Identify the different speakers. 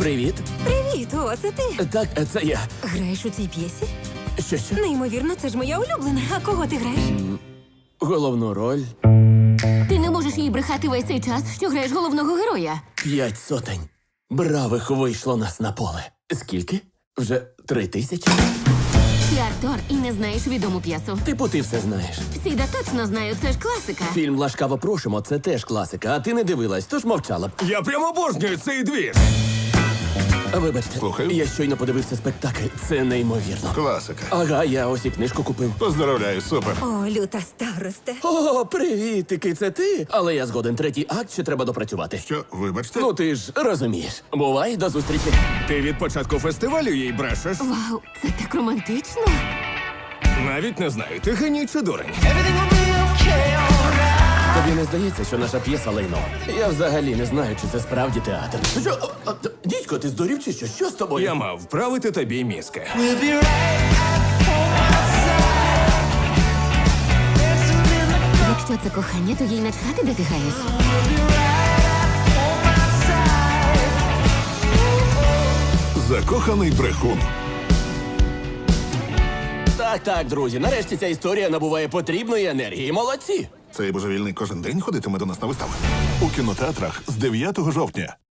Speaker 1: Привіт.
Speaker 2: Привіт, о, це ти.
Speaker 1: Так, це я.
Speaker 2: Граєш у цій п'єсі?
Speaker 1: Що?
Speaker 2: Неймовірно, це ж моя улюблена. А кого ти граєш?
Speaker 1: Головну роль
Speaker 3: Ти не можеш їй брехати весь цей час, що граєш головного героя.
Speaker 1: 5 сотень. Бравих вийшло нас на поле. Скільки? Вже 3000?
Speaker 3: Ти актор і не знаєш відому п'єсу.
Speaker 1: Типу, ти все знаєш.
Speaker 3: Сіда точно знаю, це ж класика.
Speaker 1: Фільм «Ласкаво просимо» – це теж класика, а ти не дивилась, тож мовчала б.
Speaker 4: Я прямо обожнюю цей двір.
Speaker 1: Вибачте,
Speaker 5: Слухаю.
Speaker 1: я щойно подивився спектакль. Це неймовірно.
Speaker 5: Класика.
Speaker 1: Ага, я ось і книжку купив.
Speaker 5: Поздравляю, супер.
Speaker 2: О, люта старосте.
Speaker 1: О, привітики, це ти? Але я згоден, третій акт ще треба допрацювати.
Speaker 5: Що, вибачте?
Speaker 1: Ну ти ж розумієш. Бувай, до зустрічі.
Speaker 4: Ти від початку фестивалю їй брешеш.
Speaker 3: Вау, це так романтично.
Speaker 4: Навіть не знаю, ти геній чи дурень.
Speaker 1: Тобі не здається, що наша п'єса лайно? Я взагалі не знаю, чи це справді театр. Що? Дідько, ти здурів чи що? Що з тобою?
Speaker 4: Я мав вправити тобі мізки.
Speaker 3: Якщо це кохання, то їй начхати, де ти граєш.
Speaker 5: Закоханий брехун.
Speaker 1: Так, друзі, нарешті ця історія набуває потрібної енергії. Молодці!
Speaker 5: Цей божевільний кожен день ходитиме до нас на вистави. У кінотеатрах з 9 жовтня.